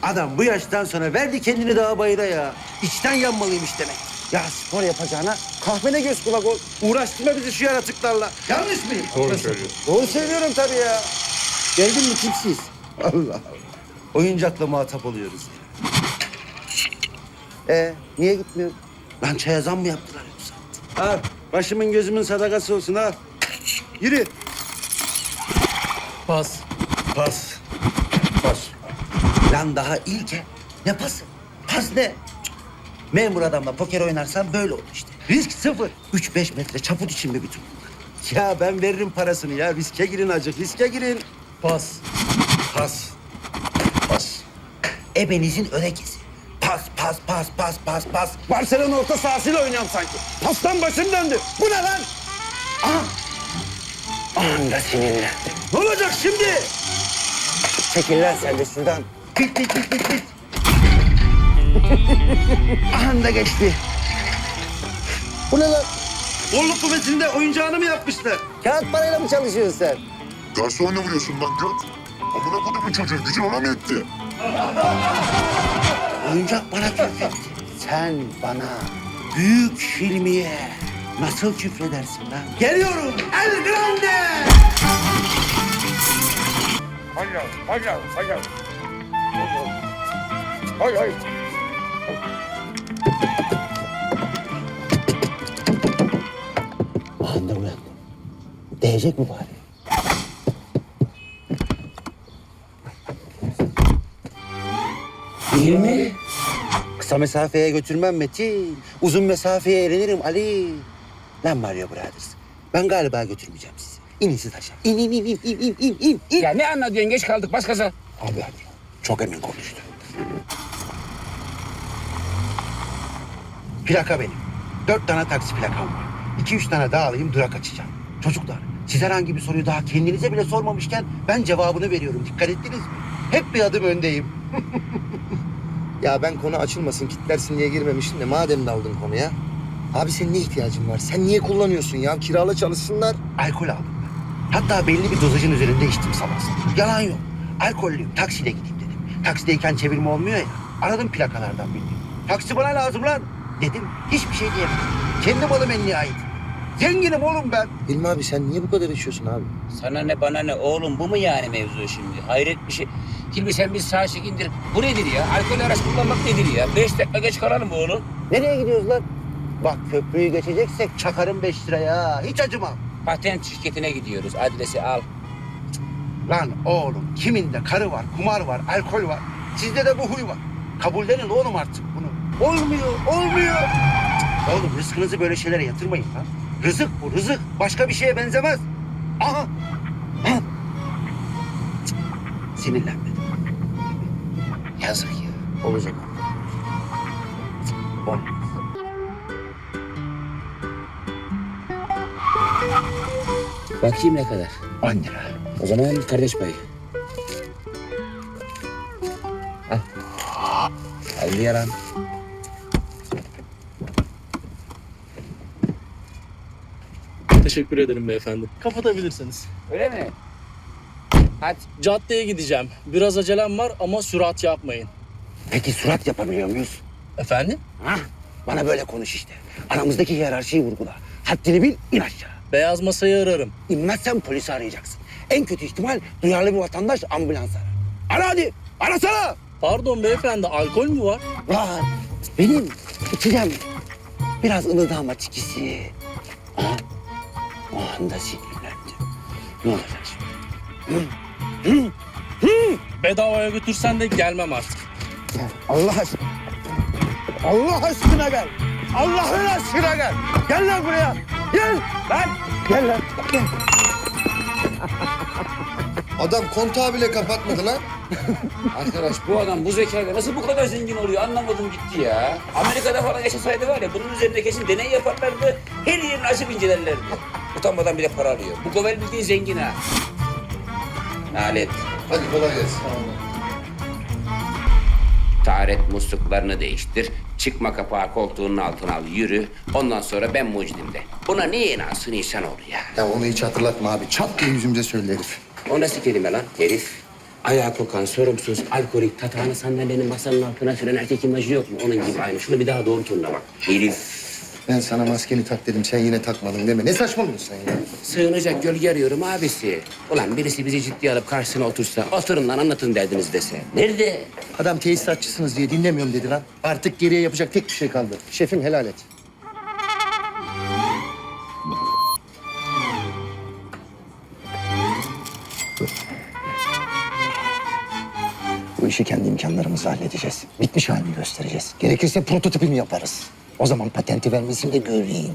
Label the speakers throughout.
Speaker 1: Adam bu yaştan sonra verdi kendini dağa bayıra ya. İçten yanmalıymış demek. Ya spor yapacağına kahvene göz kulak ol. Uğraştırma bizi şu yaratıklarla. Yanlış mıyım?
Speaker 2: Doğru söylüyorsun.
Speaker 1: Doğru söylüyorum tabii ya. Geldin mi kimsiz? Allah Allah. Oyuncakla muhatap oluyoruz ya. Niye gitmiyor? Lan çaya zam mı yaptılar yoksa? Al, başımın gözümün sadakası olsun al. Yürü.
Speaker 3: Pas.
Speaker 1: Pas. Pas. Lan daha ilke. Ne pası? Pas ne? Cık. Memur adamla poker oynarsan böyle olur işte. Risk sıfır. 3-5 metre çaput için mi bütün bunlar? Ya ben veririm parasını ya. Riske girin acık, riske girin.
Speaker 3: Pas.
Speaker 1: Pas. Pas. Ebenizin örekesi. Pas, pas, pas, pas, pas, pas. Barcelona orta sahasıyla oynuyorum sanki. Pastan başım döndü. Bu ne lan? Aha. Anda sinirlendim. Ne olacak şimdi? Çekil lan sen de şuradan. Bit, bit, bit, bit, bit. Anda geçti. Bu ne lan? Bolluk kuvvetinde oyuncağını mı yapmışlar? Kağıt parayla mı çalışıyorsun sen?
Speaker 2: Garsonla vuruyorsun lan göt. Amına kodumun çocuğu gücün ona mı yetti?
Speaker 1: Oyuncak bana küfretti. Sen bana büyük filmiye nasıl küfredersin lan? Geliyorum El Grande!
Speaker 2: Hayır.
Speaker 1: Anladım uyandım. Değecek mi bari? Değil mi? Kısa mesafeye götürmem Metin. Uzun mesafeye eğlenirim Ali. Lan Mario Brothers. Ben galiba götürmeyeceğim sizi. İnin siz aşağı. İn.
Speaker 4: Ya ne anlatıyorsun? Geç kaldık. Bas gaza.
Speaker 1: Abi hadi. Çok emin konuştu. Plaka benim. 4 tane taksi plakam var. 2-3 tane daha alayım durak açacağım. Çocuklar siz herhangi bir soruyu daha kendinize bile sormamışken ben cevabını veriyorum. Dikkat ettiniz mi? Hep bir adım öndeyim.
Speaker 5: Ya ben konu açılmasın, kitlersin diye girmemiştim de madem daldın konuya. Abi senin ne ihtiyacın var? Sen niye kullanıyorsun ya? Kirala çalışsınlar.
Speaker 1: Alkol aldım ben. Hatta belli bir dozajın üzerinde içtim sabah sabah. Yalan yok. Alkollüyüm. Taksiyle gideyim dedim. Taksideyken çevirme olmuyor ya. Aradım plakalardan birini. Taksi bana lazım lan dedim. Hiçbir şey diyemedim. Kendi malım en nihayet. Zenginim oğlum ben.
Speaker 5: Hilmi abi sen niye bu kadar içiyorsun abi?
Speaker 4: Sana ne bana ne oğlum, bu mu yani mevzu şimdi? Hayret bir şey. Hilmi sen bir sağa çekindir. Bu nedir ya? Alkol araç kullanmak nedir ya? 5 dakika geç kalalım oğlum.
Speaker 1: Nereye gidiyoruz lan? Bak köprüyü geçeceksek çakarım 5 liraya. Hiç acımam.
Speaker 4: Patent şirketine gidiyoruz. Adresi al.
Speaker 1: Lan oğlum kiminde karı var, kumar var, alkol var. Sizde de bu huy var. Kabullenin oğlum artık bunu. Olmuyor. Oğlum rızkınızı böyle şeylere yatırmayın lan. Rızık bu rızık. Başka bir şeye benzemez. Aha. Ha. Cık, sinirlenmedim. Yazık ya.
Speaker 5: Olacak.
Speaker 1: Olmaz.
Speaker 4: Bakayım ne kadar.
Speaker 1: 10 lira.
Speaker 4: O zaman kardeş payı. Al. Al yaran.
Speaker 3: Teşekkür ederim beyefendi. Kapatabilirsiniz.
Speaker 4: Öyle mi? Hadi.
Speaker 3: Caddeye gideceğim. Biraz acelem var ama sürat yapmayın.
Speaker 1: Peki surat yapabiliyor muyuz?
Speaker 3: Efendim?
Speaker 1: Hah, bana böyle konuş işte. Aramızdaki hiyerarşiyi vurgula. Haddini bil, in aşağı.
Speaker 3: Beyaz masayı ararım.
Speaker 1: İnmezsen polisi arayacaksın. En kötü ihtimal duyarlı bir vatandaş ambulans arar. Ara hadi, arasana.
Speaker 3: Pardon beyefendi, alkol mü var?
Speaker 1: Var, benim içeceğim. Biraz ılıdı ama çikisi. Aha, o anda sinirlendim. Ne olacak şimdi?
Speaker 3: Bedavaya götürsen de gelmem artık.
Speaker 1: Gel, Allah aşkına. Allah aşkına gel. Allah'ın aşkına gel. Gel lan buraya. Gel lan. Gel lan. Gel.
Speaker 5: Adam kontağı bile kapatmadı lan.
Speaker 4: Arkadaş bu adam bu zekayla nasıl bu kadar zengin oluyor anlamadım gitti ya. Amerika'da falan yaşasaydı var ya bunun üzerinde kesin deney yaparlardı. Her yerini açıp incelerlerdi. Utanmadan bile para alıyor. Bu Govel bildiğin zengin ha. Nalet.
Speaker 5: Hadi kolay gelsin.
Speaker 4: Taharet musluklarını değiştir. Çıkma kapağı koltuğunun altına al yürü. Ondan sonra ben mucidim de. Buna niye inansın insanoğlu ya?
Speaker 5: Ya onu hiç hatırlatma abi. Çat diye yüzümüze söyle herif.
Speaker 4: O nasıl kelime lan herif? Ayağa kokan, sorumsuz, alkolik, tatağını sandalyenin masanın altına süren erkek imajı yok mu? Onun gibi aynı. Şunu bir daha doğru turuna bak. Herif.
Speaker 5: Ben sana maskeni tak dedim, sen yine takmadın deme. Ne saçmalıyorsun sen ya?
Speaker 4: Sığınacak gölge arıyorum abisi. Ulan birisi bizi ciddiye alıp karşısına otursa, oturun lan anlatın derdiniz dese. Nerede?
Speaker 5: Adam tesisatçısınız diye dinlemiyorum dedi lan. Artık geriye yapacak tek bir şey kaldı. Şefim helal et. Bu işi kendi imkanlarımızla halledeceğiz. Bitmiş halini göstereceğiz. Gerekirse prototipini yaparız. O zaman patenti vermesini de göreyim.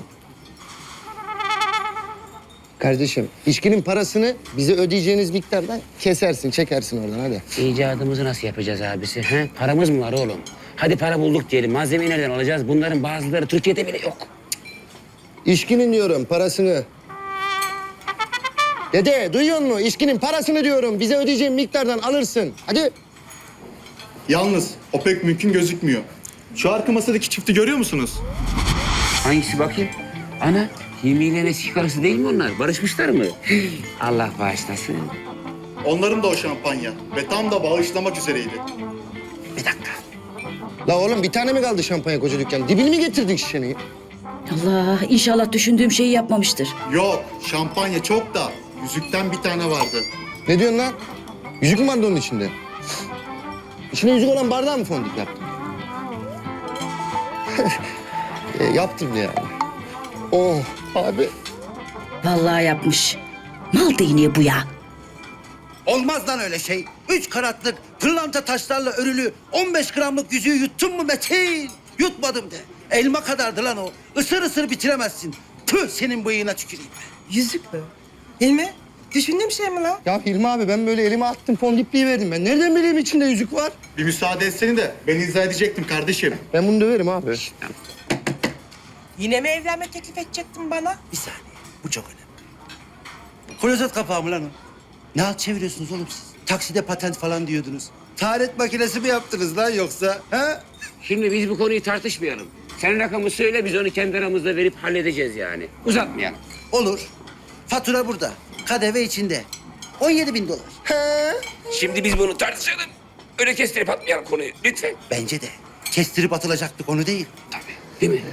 Speaker 5: Kardeşim, içkinin parasını bize ödeyeceğiniz miktardan kesersin, çekersin oradan hadi.
Speaker 4: İcadımızı nasıl yapacağız abisi? He? Paramız mı var oğlum? Hadi para bulduk diyelim. Malzemeyi nereden alacağız? Bunların bazıları Türkiye'de bile yok.
Speaker 5: İçkinin diyorum parasını. Dede duyuyor musun? İçkinin parasını diyorum. Bize ödeyeceğin miktardan alırsın. Hadi.
Speaker 6: Yalnız o pek mümkün gözükmüyor. Şu arka masadaki çifti görüyor musunuz?
Speaker 4: Hangisi bakayım? Ana, Hilmi ile eski karısı değil mi onlar? Barışmışlar mı? Allah bağışlasın.
Speaker 6: Onların da o şampanya ve tam da bağışlamak üzereydi.
Speaker 4: Bir dakika.
Speaker 5: La oğlum bir tane mi kaldı şampanya koca dükkan? Dibini mi getirdin şişenin?
Speaker 7: Allah inşallah düşündüğüm şeyi yapmamıştır.
Speaker 6: Yok, şampanya çok da yüzükten bir tane vardı.
Speaker 5: Ne diyorsun lan? Yüzük mü vardı onun içinde? İçine yüzük olan bardağı mı fondip yaptın? Yaptım yani. Oh abi.
Speaker 7: Vallahi yapmış. Mal değneği bu ya.
Speaker 1: Olmaz lan öyle şey. 3 karatlık pırlanta taşlarla örülü 15 gramlık yüzüğü yuttun mu Metin? Yutmadım de. Elma kadardı lan o. Isır ısır bitiremezsin. Tüh senin bıyığına tüküreyim.
Speaker 8: Yüzük mü? Hilmi, düşündüğüm şey mi lan?
Speaker 5: Ya Hilmi abi ben böyle elime attım fondipliği verdim ben. Nereden bileyim içinde yüzük var?
Speaker 6: Bir müsaade etseni de ben izah edecektim kardeşim.
Speaker 5: Ben bunu döverim abi.
Speaker 8: Yine mi evlenme teklif edecektin bana?
Speaker 1: Bir saniye. Bu çok önemli. Klozet kapağı mı lan o? Ne halt çeviriyorsunuz oğlum siz? Takside patent falan diyordunuz. Taharet makinesi mi yaptınız lan yoksa? Ha?
Speaker 4: Şimdi biz bu konuyu tartışmayalım. Sen rakamı söyle, biz onu kendi aramızda verip halledeceğiz yani. Uzatmayalım.
Speaker 1: Olur. Fatura burada. KDV içinde. 17.000 dolar.
Speaker 4: Şimdi biz bunu tartışalım. Öyle kestirip atmayalım konuyu, lütfen.
Speaker 1: Bence de. Kestirip atılacaktık onu değil.
Speaker 4: Tabii, değil mi?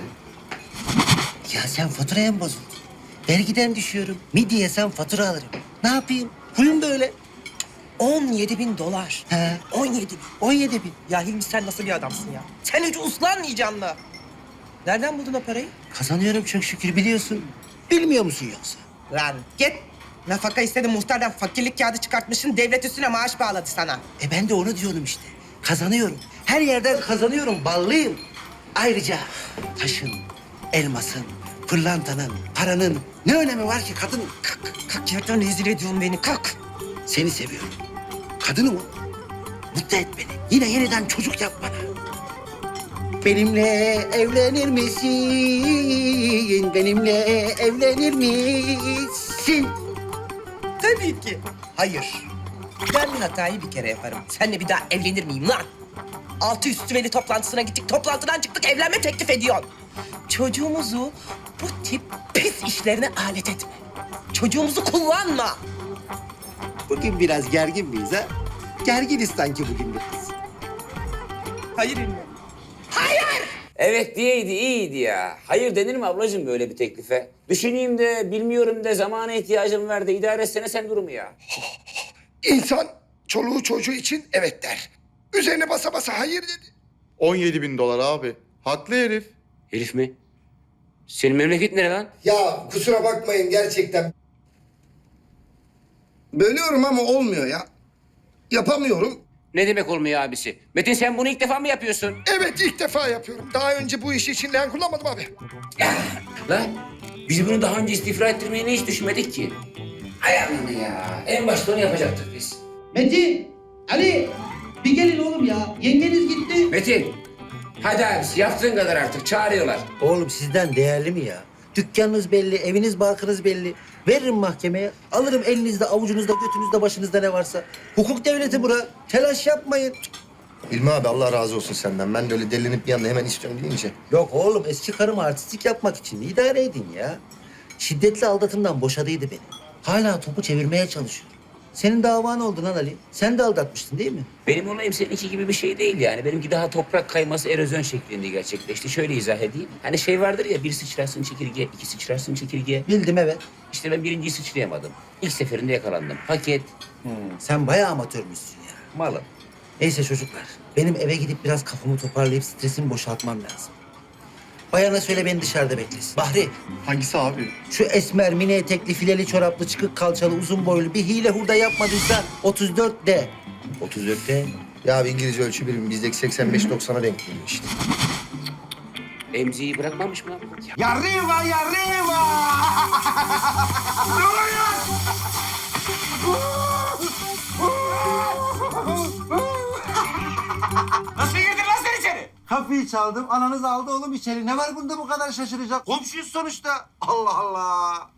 Speaker 1: Ya sen faturaya mı bozuldun? Vergiden düşüyorum. Midye sen fatura alırım. Ne yapayım? Huyum böyle.
Speaker 8: 17.000 dolar.
Speaker 1: He.
Speaker 8: 17.000.
Speaker 1: 17.000.
Speaker 8: Ya Hilmi sen nasıl bir adamsın ya? Sen hiç uslanmayacaksın mı? Nereden buldun o parayı?
Speaker 1: Kazanıyorum çok şükür biliyorsun. Bilmiyor musun yoksa?
Speaker 8: Lan git. Nafaka istedim muhtardan fakirlik kağıdı çıkartmışsın. Devlet üstüne maaş bağladı sana.
Speaker 1: Ben de onu diyorum işte. Kazanıyorum. Her yerden kazanıyorum. Ballıyım. Ayrıca taşın, elmasın, pırlantanın, paranın ne önemi var ki kadın?
Speaker 8: Kalk, kalk yerden rezil ediyorsun beni. Kalk.
Speaker 1: Seni seviyorum. Kadınım o. Mutlu et beni. Yine yeniden çocuk yap bana. Benimle evlenir misin? Benimle evlenir misin?
Speaker 8: Tabii ki. Hayır. Ben bir hatayı bir kere yaparım. Seninle bir daha evlenir miyim lan? Altı üstü veli toplantısına gittik. Toplantıdan çıktık. Evlenme teklif ediyorsun. Çocuğumuzu bu tip pis işlerine alet etme. Çocuğumuzu kullanma.
Speaker 1: Bugün biraz gergin miyiz ha? Gerginiz sanki bugün biraz.
Speaker 8: Hayır Hilmi.
Speaker 4: Evet diyeydi, iyiydi ya. Hayır denir mi ablacığım böyle bir teklife? Düşüneyim de, bilmiyorum de, zamana ihtiyacım var da idare etsene sen durumu ya.
Speaker 9: İnsan çoluğu çocuğu için evet der. Üzerine basa basa hayır dedi.
Speaker 6: 17.000 dolar abi. Haklı herif.
Speaker 4: Herif mi? Senin memleket nere lan?
Speaker 5: Ya kusura bakmayın gerçekten. Bölüyorum ama olmuyor ya. Yapamıyorum.
Speaker 4: Ne demek olmuyor abisi? Metin sen bunu ilk defa mı yapıyorsun?
Speaker 9: Evet ilk defa yapıyorum. Daha önce bu iş için leğen kullanmadım abi.
Speaker 4: Lan biz bunu daha önce istifra ettirmeyi hiç düşünmedik ki. Hay Allah'ım ya. En başta onu yapacaktık biz.
Speaker 1: Metin, Ali bir gelin oğlum ya. Yengeniz gitti.
Speaker 4: Metin, hadi abisi yaptığın kadar artık çağırıyorlar.
Speaker 1: Oğlum sizden değerli mi ya? Dükkanınız belli, eviniz barkınız belli. Veririm mahkemeye, alırım elinizde, avucunuzda, götünüzde, başınızda ne varsa. Hukuk devleti bura. Telaş yapmayın.
Speaker 5: Hilmi abi Allah razı olsun senden. Ben de öyle delinip bir anda hemen istiyorum deyince.
Speaker 1: Yok oğlum eski karım artistik yapmak için idare edin ya. Şiddetli aldatımdan boşadıydı beni. Hala topu çevirmeye çalışıyor. Senin davan oldu lan Ali. Sen de aldatmıştın değil mi?
Speaker 4: Benim olayım seninki gibi bir şey değil yani. Benimki daha toprak kayması erozyon şeklinde gerçekleşti. Şöyle izah edeyim. Hani şey vardır ya, bir sıçrarsın çekirge, iki sıçrarsın çekirge.
Speaker 1: Bildim evet.
Speaker 4: İşte ben birinciyi sıçrayamadım. İlk seferinde yakalandım. Paket,
Speaker 1: Sen bayağı amatörmüşsün ya.
Speaker 4: malım.
Speaker 1: Neyse çocuklar. Benim eve gidip biraz kafamı toparlayıp stresimi boşaltmam lazım. Bayana söyle beni dışarıda beklesin. Bahri,
Speaker 6: Hangisi abi?
Speaker 1: şu esmer, mini etekli, fileli çoraplı, çıkık kalçalı, uzun boylu bir hile hurda yapmadıysa 34 de.
Speaker 4: 34'te.
Speaker 5: Ya abi İngilizce ölçü birimi bizdeki 85-90'a denk geliyor işte.
Speaker 4: Emziği bırakmamış mı lan?
Speaker 1: Ya Riva, ya Riva!
Speaker 4: Nasıl girdin lan sen içeri?
Speaker 1: Kapıyı çaldım, ananız aldı oğlum içeri. Ne var bunda bu kadar şaşıracak? Komşuyuz sonuçta. Allah Allah.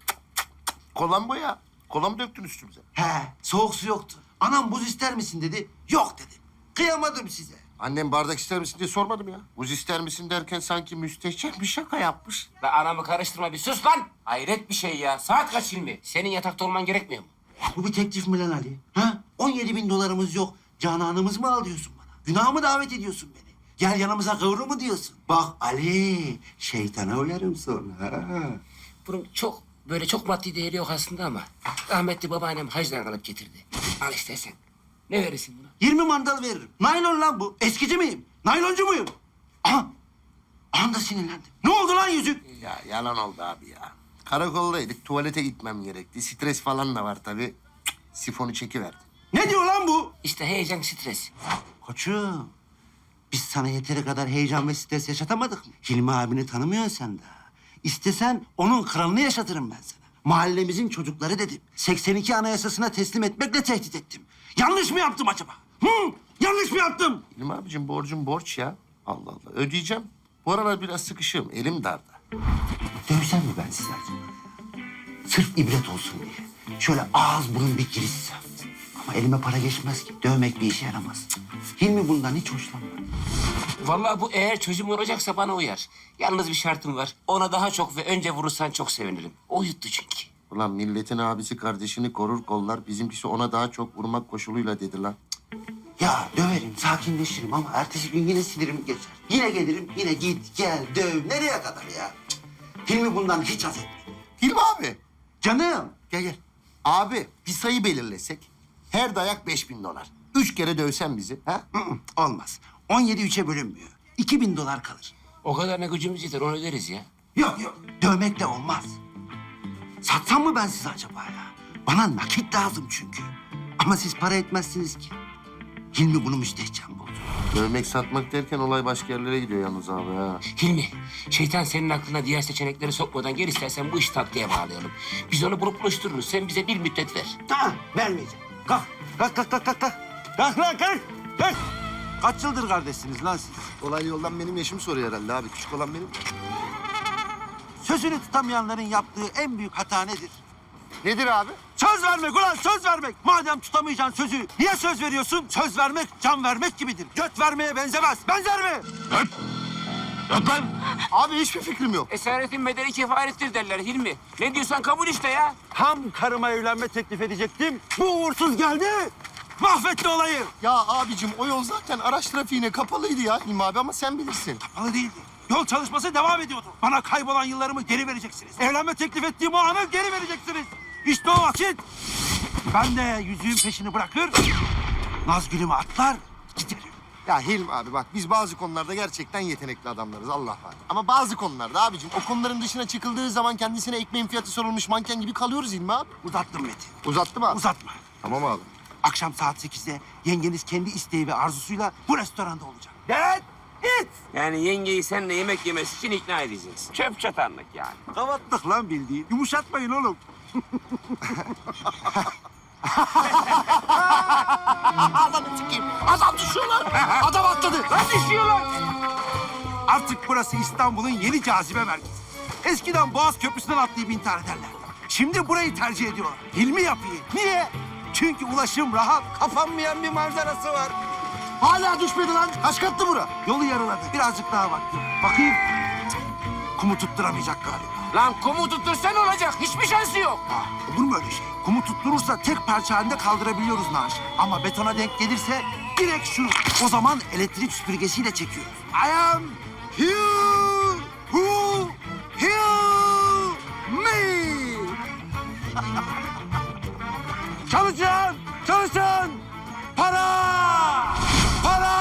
Speaker 10: Kolan bu ya. Kola mı döktün üstümüze?
Speaker 1: He, soğuk su yoktu. Anam buz ister misin dedi. Yok dedim. Kıyamadım size.
Speaker 10: Annem bardak ister misin diye sormadım ya. Buz ister misin derken sanki müstehcen bir şaka yapmış.
Speaker 4: La anamı karıştırma, bir sus lan. Hayret bir şey ya. Saat kaç Hilmi? Senin yatakta olman gerekmiyor mu?
Speaker 1: Bu bir teklif mi lan Ali? Ha? 17.000 dolarımız yok. Cananımız mı al diyorsun bana? Günah mı davet ediyorsun beni? Gel yanımıza kıvrı mı diyorsun? Bak Ali, şeytana uyarım sonra. Ha?
Speaker 4: Bunun çok maddi değeri yok aslında ama rahmetli babaannem hacdan alıp getirdi. Al istersen. Ne verirsin buna?
Speaker 1: 20 mandal veririm. Naylon lan bu. Eskici miyim? Nayloncu muyum? Aha! Aha da sinirlendim. Ne oldu lan yüzük?
Speaker 10: Ya yalan oldu abi ya. Karakoldaydık, tuvalete gitmem gerekti. Stres falan da var tabii. Cık, sifonu çekiverdim.
Speaker 1: Ne diyor lan bu?
Speaker 4: İşte heyecan, stres.
Speaker 1: Koçum, biz sana yeteri kadar heyecan ve stres yaşatamadık mı? Hilmi abini tanımıyorsun sen daha. İstesen onun kralını yaşatırım ben sana. Mahallemizin çocukları dedim. 82 anayasasına teslim etmekle tehdit ettim. Yanlış mı yaptım acaba? Hı? Yanlış mı yaptım?
Speaker 10: İlmi abicim borcum borç ya. Allah Allah ödeyeceğim. Bu aralar biraz sıkışığım, elim darda.
Speaker 1: Dövsem mi ben size acaba? Sırf ibret olsun diye. Şöyle ağız burun bir girişsem. Ama elime para geçmez ki. Dövmek bir işe yaramaz. Cık. Hilmi bundan hiç hoşlanmadı.
Speaker 4: Vallahi bu eğer çözüm olacaksa bana uyar. Yalnız bir şartım var. Ona daha çok ve önce vurursan çok sevinirim. O yuttu çünkü.
Speaker 10: Ulan milletin abisi kardeşini korur kollar. Bizimkisi ona daha çok vurmak koşuluyla dedi lan.
Speaker 1: Ya döverim, sakinleşirim ama ertesi gün yine sinirim geçer. Yine gelirim, yine git, gel, döv. Nereye kadar ya? Cık. Hilmi bundan hiç haz etmedi.
Speaker 10: Hilmi abi.
Speaker 1: Canım.
Speaker 10: Gel gel. Abi bir sayı belirlesek. Her dayak 5.000 dolar. 3 kere dövsen bizi. Ha?
Speaker 1: Olmaz. 17 3'e bölünmüyor. 2.000 dolar kalır.
Speaker 4: O kadar ne gücümüz yeter, onu öderiz ya.
Speaker 1: Yok yok, dövmekle olmaz. Satsam mı ben size acaba ya? Bana nakit lazım çünkü. Ama siz para etmezsiniz ki. Hilmi bunu müstehcen buldu.
Speaker 10: Dövmek satmak derken olay başka yerlere gidiyor yalnız abi ha.
Speaker 4: Hilmi, şeytan senin aklına diğer seçenekleri sokmadan gel, istersen bu işi tatlıya bağlayalım. Biz onu bulup buluştururuz. Sen bize bir müddet ver.
Speaker 1: Tamam, vermeyeceğim. Kalk, kalk, kalk, kalk, kalk. Kalk lan, kalk, kalk. Kaç yıldır kardeşsiniz lan siz?
Speaker 10: Olay yoldan benim yaşımı soruyor herhalde abi. Küçük olan benim.
Speaker 1: Sözünü tutamayanların yaptığı en büyük hata nedir?
Speaker 10: Nedir abi?
Speaker 1: Söz vermek ulan, söz vermek. Madem tutamayacaksın sözü, niye söz veriyorsun? Söz vermek, can vermek gibidir. Göt vermeye benzemez. Benzer mi?
Speaker 10: Abi hiçbir fikrim yok.
Speaker 4: Esaretin bedeli kefarettir derler Hilmi. Ne diyorsan kabul işte ya.
Speaker 1: Tam karıma evlenme teklif edecektim. Bu uğursuz geldi. Mahvetti olayı.
Speaker 10: Ya abicim o yol zaten araç trafiğine kapalıydı ya Hilmi abi ama sen bilirsin.
Speaker 1: Kapalı değildi. Yol çalışması devam ediyordu. Bana kaybolan yıllarımı geri vereceksiniz. Evlenme teklif ettiğim o anı geri vereceksiniz. İşte o vakit. Ben de yüzüğün peşini bırakır, Nazgül'ümü atlar, giderim.
Speaker 10: Ya Hilmi abi bak biz bazı konularda gerçekten yetenekli adamlarız Allah var. Ama bazı konularda abicim o konuların dışına çıkıldığı zaman kendisine ekmeğin fiyatı sorulmuş manken gibi kalıyoruz Hilmi abi.
Speaker 1: Uzattım Metin.
Speaker 10: Uzattı mı abi?
Speaker 1: Uzatma.
Speaker 10: Tamam abi.
Speaker 1: Akşam saat 8'de yengeniz kendi isteği ve arzusuyla bu restoranda olacak. Dad, it!
Speaker 4: Yani yengeyi seninle yemek yemesi için ikna edeceğiz. Çöp çatanlık yani.
Speaker 1: Kavatlık lan bildiğin. Yumuşatmayın oğlum.
Speaker 10: Adamı sikeyim. Adam düşüyor lan. Adam atladı.
Speaker 1: Lan düşüyorlar. Artık burası İstanbul'un yeni cazibe merkezi. Eskiden Boğaz Köprüsü'nden atlayıp intihar ederler. Şimdi burayı tercih ediyorlar. Hilmi yapıyı. Niye? Çünkü ulaşım rahat, kapanmayan bir manzarası var.
Speaker 10: Hala düşmedi lan. Kaç katlı bura?
Speaker 1: Yolu yarıladı. Birazcık daha vakti. Bakayım. Cık, kumu tutturamayacak galiba. Lan kumu tuttursan olacak. Hiçbir şansı yok.
Speaker 11: Olur mu öyle şey? Kumu tutturursa tek parça halinde kaldırabiliyoruz naaşı. Ama betona denk gelirse direkt şu. O zaman elektrik süpürgesiyle çekiyoruz. I am here, who, here, me.
Speaker 1: Çalışın! Çalışın! Para! Para!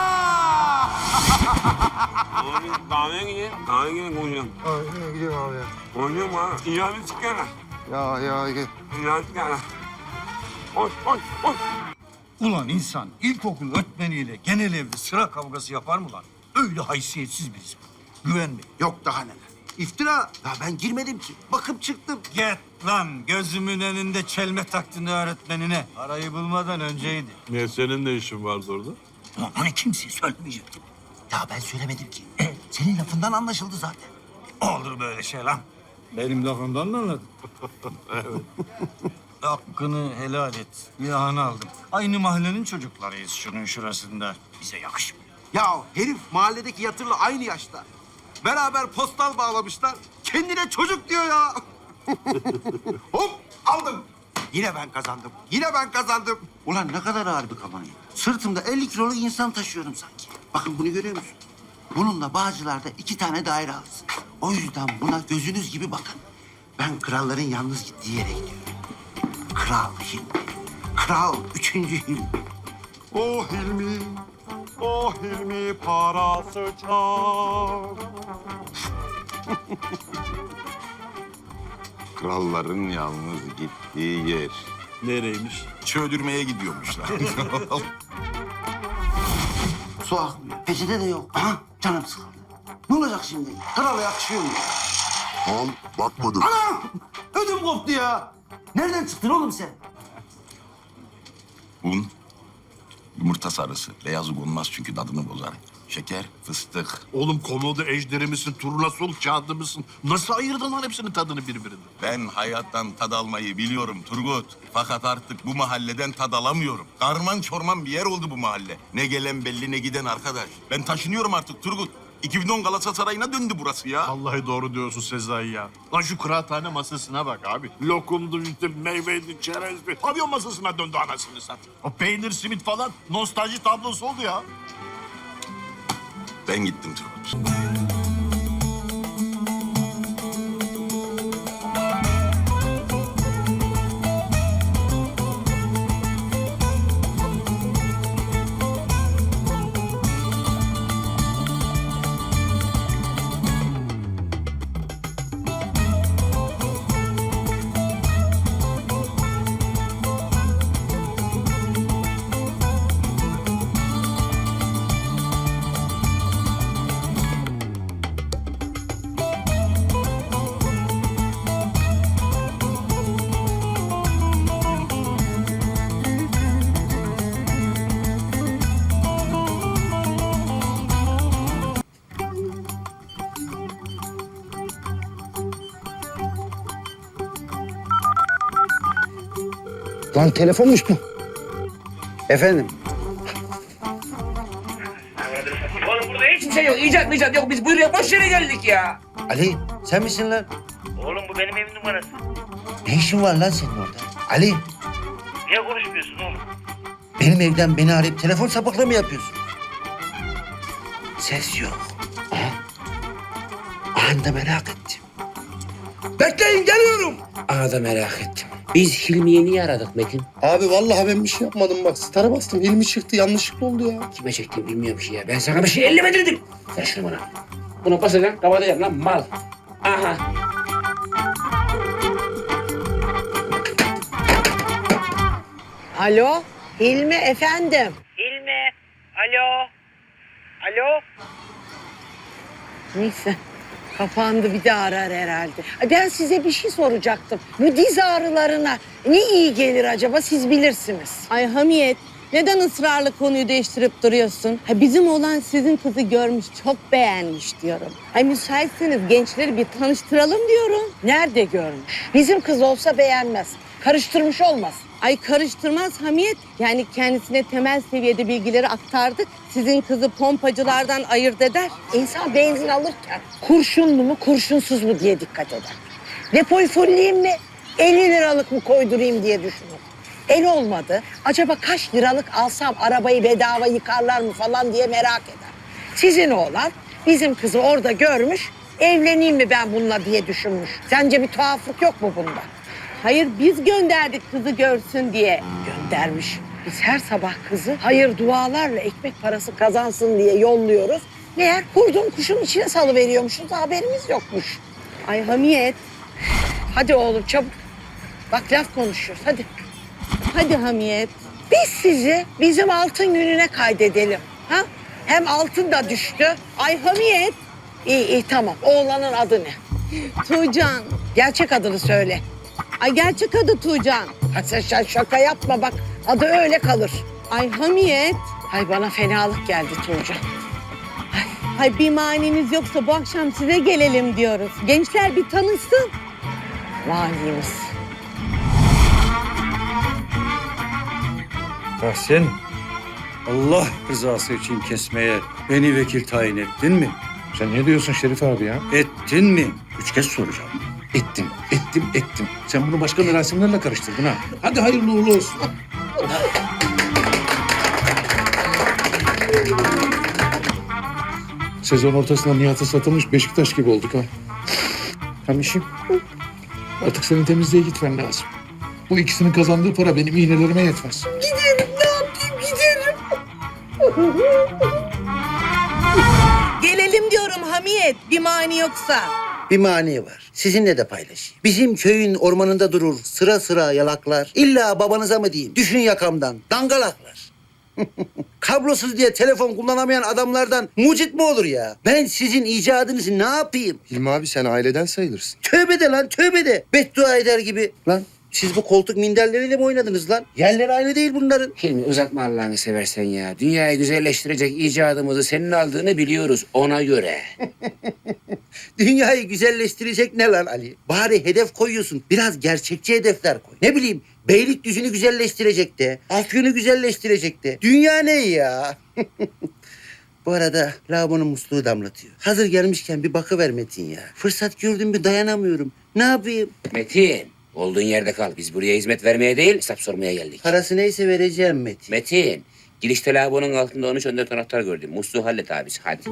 Speaker 2: Kahveye gideyim. Kahveye gideyim konuşalım.
Speaker 10: Gidiyorum abi ya.
Speaker 2: Konuşalım ha. İcabet çıkana.
Speaker 10: Ya.
Speaker 2: İcabet çıkana. Koş.
Speaker 11: Ulan insan ilkokul öğretmeniyle genel evde sıra kavgası yapar mı lan? Öyle haysiyetsiz birisi. Güvenme.
Speaker 1: Yok daha neler. İftira. Ya ben girmedim ki. Bakıp çıktım.
Speaker 11: Git lan gözümün önünde çelme taktın öğretmenine. Arayı bulmadan önceydi.
Speaker 2: Niye senin ne işin vardı orada?
Speaker 11: Ulan hani kimseye söylemeyecektim.
Speaker 1: Ya ben söylemedim ki. Senin lafından anlaşıldı zaten.
Speaker 11: Olur böyle şey lan. Benim lafımdan mı anladın? Evet. Hakkını helal et. Günahını aldım. Aynı mahallenin çocuklarıyız şunun şurasında. Bize yakışmıyor.
Speaker 1: Ya herif mahalledeki yatırla aynı yaşta. Beraber postal bağlamışlar. Kendine çocuk diyor ya. Hop aldım. Yine ben kazandım. Ulan ne kadar ağır bir kampanya. Sırtımda 50 kiloluk insan taşıyorum sanki. Bakın bunu görüyor musun? Bununla Bağcılar'da 2 tane daire alırsın. O yüzden buna gözünüz gibi bakın. Ben kralların yalnız gittiği yere gidiyorum. Kral Hilmi. Kral 3. Hilmi.
Speaker 2: O Hilmi parası çok.
Speaker 12: Kralların yalnız gittiği yer.
Speaker 2: Nereymiş?
Speaker 12: Çöldürmeye gidiyormuşlar.
Speaker 1: Su akmıyor. Peçete de yok. Aha canım sıkıldı. Ne olacak şimdi? Krala yakışıyor mu?
Speaker 2: Al bakmadım.
Speaker 1: Anam! Ödüm koptu ya. Nereden çıktın oğlum sen?
Speaker 12: Un, yumurta sarısı. Beyazı konmaz çünkü tadını bozar. Şeker, fıstık.
Speaker 2: Oğlum komodo ejderi misin, turnasol kağıdı mısın? Nasıl ayırdın lan hepsinin tadını birbirinden?
Speaker 12: Ben hayattan tad almayı biliyorum Turgut. Fakat artık bu mahalleden tad alamıyorum. Karman çorman bir yer oldu bu mahalle. Ne gelen belli ne giden arkadaş. Ben taşınıyorum artık Turgut. 2010 Galatasaray'ına döndü burası ya.
Speaker 2: Vallahi doğru diyorsun Sezai ya. Lan şu kıraathane masasına bak abi. Lokumdu, işte meyveydi, çerezdi. Pavyon masasına döndü anasını satayım. O peynir, simit falan nostalji tablosu oldu ya.
Speaker 12: Ben gittim Turgut.
Speaker 5: Lan telefonmuş bu.
Speaker 1: Efendim?
Speaker 4: Oğlum burada hiçbir şey yok. İcat yok. Biz buraya boş yere geldik ya.
Speaker 1: Ali sen misin lan?
Speaker 13: Oğlum bu benim evim numarası.
Speaker 1: Ne işin var lan senin orada? Ali
Speaker 13: Niye konuşmuyorsun oğlum?
Speaker 1: benim evden beni arayıp telefon sapıklığı mı yapıyorsun? Ses yok. Aha. Anında merak ettim. Bekleyin geliyorum.
Speaker 4: Aha da merak ettim. Biz Hilmi'yi niye aradık Metin?
Speaker 5: Abi vallahi ben bir şey yapmadım bak. Star'a bastım. Hilmi çıktı. Yanlışlıkla oldu ya.
Speaker 4: Kime çektiğimi bilmiyorum ki ya. Ben sana bir şey ellemedirdim. Ver şunu bana. Bunu basacaksın, kapatacaksın lan mal. Aha.
Speaker 7: Alo, Hilmi efendim.
Speaker 13: Hilmi. Alo. Alo.
Speaker 7: Neyse, kapandı bir daha arar herhalde. Ben size bir şey soracaktım. Bu diz ağrılarına ne iyi gelir acaba siz bilirsiniz.
Speaker 14: Ay Hamiyet, neden ısrarla konuyu değiştirip duruyorsun? Ha, bizim oğlan sizin kızı görmüş, çok beğenmiş diyorum. Ay müsaitseniz gençleri bir tanıştıralım diyorum.
Speaker 7: Nerede görmüş? Bizim kız olsa beğenmez. Karıştırmış olmaz.
Speaker 14: Ay karıştırmaz Hamiyet. Yani kendisine temel seviyede bilgileri aktardık. Sizin kızı pompacılardan ayırt eder.
Speaker 7: İnsan benzin alırken kurşunlu mu kurşunsuz mu diye dikkat eder. Depoyu fulleyeyim mi? 50 liralık mı koydurayım diye düşünür. El olmadı. Acaba kaç liralık alsam arabayı bedava yıkarlar mı falan diye merak eder. Sizin oğlan bizim kızı orada görmüş, evleneyim mi ben bununla diye düşünmüş. Sence bir tuhaflık yok mu bunda?
Speaker 14: Hayır biz gönderdik kızı görsün diye.
Speaker 7: Göndermiş. Biz her sabah kızı hayır dualarla ekmek parası kazansın diye yolluyoruz. Meğer kurduğum kuşun içine salıveriyormuşuz, haberimiz yokmuş.
Speaker 14: Ay Hamiyet.
Speaker 7: Hadi oğlum çabuk. Bak laf konuşuyoruz hadi.
Speaker 14: Hadi Hamiyet.
Speaker 7: Biz sizi bizim altın gününe kaydedelim. Ha? Hem altın da düştü.
Speaker 14: Ay Hamiyet.
Speaker 7: İyi tamam. Oğlanın adı ne?
Speaker 14: Tuğcan.
Speaker 7: Gerçek adını söyle.
Speaker 14: Ay gerçek adı Tuğcan.
Speaker 7: Ha sen şaka yapma bak. Adı öyle kalır.
Speaker 14: Ay Hamiyet.
Speaker 7: Ay bana fenalık geldi Tuğcan.
Speaker 14: Ay bir maniniz yoksa bu akşam size gelelim diyoruz. Gençler bir tanışsın.
Speaker 7: Manimiz.
Speaker 15: Tahsin, Allah rızası için kesmeye beni vekil tayin ettin mi?
Speaker 16: Sen ne diyorsun Şerif abi ya?
Speaker 15: Ettin mi? 3 kez soracağım.
Speaker 16: Ettim. Sen bunu başka merasimlerle karıştırdın ha. Hadi hayırlı uğurlu olsun. Sezon ortasında Nihat'a satılmış Beşiktaş gibi olduk ha. Hamişim, artık senin temizliğe gitmen lazım. Bu ikisinin kazandığı para benim iğnelerime yetmez.
Speaker 7: Giderim ne yapayım giderim.
Speaker 14: Gelelim diyorum Hamiyet. Bir mani yoksa.
Speaker 1: Bir mani var. Sizinle de paylaşayım. Bizim köyün ormanında durur sıra sıra yalaklar. İlla babanıza mı diyeyim? Düşün yakamdan. Dangalaklar. Kablosuz diye telefon kullanamayan adamlardan mucit mi olur ya? Ben sizin icadınızı ne yapayım?
Speaker 5: Hilmi abi sen aileden sayılırsın.
Speaker 1: Tövbe de lan tövbe de. Beddua eder gibi. Lan siz bu koltuk minderleriyle mi oynadınız lan? Yerleri aynı değil bunların.
Speaker 4: Hilmi uzatma Allah'ını seversen ya. Dünyayı güzelleştirecek icadımızı senin aldığını biliyoruz ona göre.
Speaker 1: Dünyayı güzelleştirecek ne lan Ali? Bari hedef koyuyorsun. Biraz gerçekçi hedefler koy. Ne bileyim Beylikdüzü'nü güzelleştirecek de. Afyon'u güzelleştirecek de. Dünya ne ya? Bu arada lavabonun musluğu damlatıyor. Hazır gelmişken bir bakıver Metin ya. Fırsat gördüm bir dayanamıyorum. Ne yapayım?
Speaker 4: Metin olduğun yerde kal. Biz buraya hizmet vermeye değil hesap sormaya geldik.
Speaker 1: Parası neyse vereceğim Metin.
Speaker 4: Metin girişte lavabonun altında 13-14 anahtar gördüm. Musluğu hallet abisi hadi.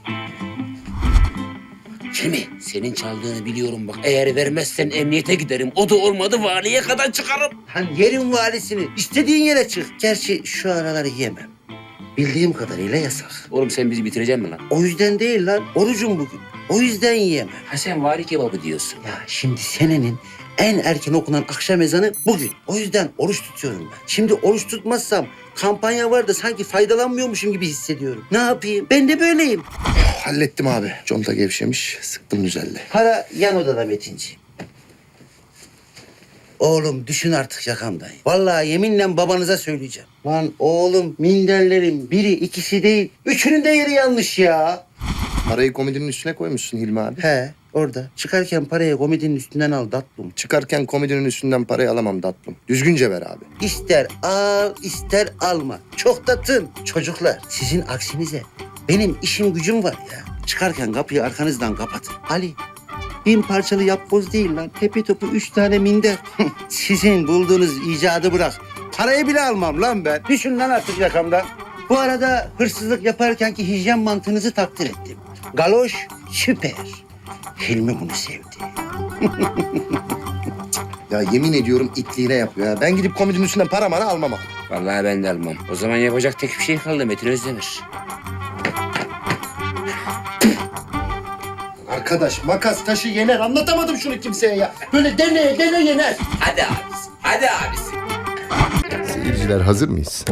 Speaker 4: Hilmi senin çaldığını biliyorum bak. Eğer vermezsen emniyete giderim. O da olmadı valiye kadar çıkarım.
Speaker 1: Lan yerin valisini. İstediğin yere çık. Gerçi şu araları yemem. Bildiğim kadarıyla yasak.
Speaker 4: Oğlum sen bizi bitireceksin mi lan?
Speaker 1: O yüzden değil lan. Orucum bugün. O yüzden yiyemem.
Speaker 4: Ha sen vari kebabı diyorsun.
Speaker 1: Ya şimdi senenin en erken okunan akşam ezanı bugün. O yüzden oruç tutuyorum ben. Şimdi oruç tutmazsam kampanya var da sanki faydalanmıyormuşum gibi hissediyorum. Ne yapayım? Ben de böyleyim.
Speaker 5: Hallettim abi. Conta gevşemiş. Sıktım güzelle.
Speaker 1: Para yan odada Metinciğim. Oğlum düşün artık yakamdan. Vallahi yeminle babanıza söyleyeceğim. Lan oğlum minderlerin biri ikisi değil. Üçünün de yeri yanlış ya.
Speaker 5: Parayı komodinin üstüne koymuşsun Hilmi abi.
Speaker 1: He orada. Çıkarken parayı komedinin üstünden al tatlım.
Speaker 5: Çıkarken komodinin üstünden parayı alamam tatlım. Düzgünce ver abi.
Speaker 1: İster al ister alma. Çok da tın. Çocuklar sizin aksinize benim işim gücüm var ya. Çıkarken kapıyı arkanızdan kapatın. Ali 1000 parçalı yapboz değil lan. Tepe topu 3 tane minder. Sizin bulduğunuz icadı bırak. Parayı bile almam lan ben. Düşün lan artık yakamdan. Bu arada hırsızlık yaparkenki hijyen mantığınızı takdir ettim. Galoş süper. Hilmi bunu sevdi.
Speaker 5: Ya yemin ediyorum itliğine yapıyor ya. Ben gidip komodinin üstünden para mara almam abi.
Speaker 4: Vallahi ben de almam. O zaman yapacak tek bir şey kaldı Metin Özdemir.
Speaker 5: Arkadaş makas taşı yener. Anlatamadım şunu kimseye ya. Böyle dene yener.
Speaker 4: Hadi abisi. Hadi abisi.
Speaker 10: Seyirciler hazır mıyız?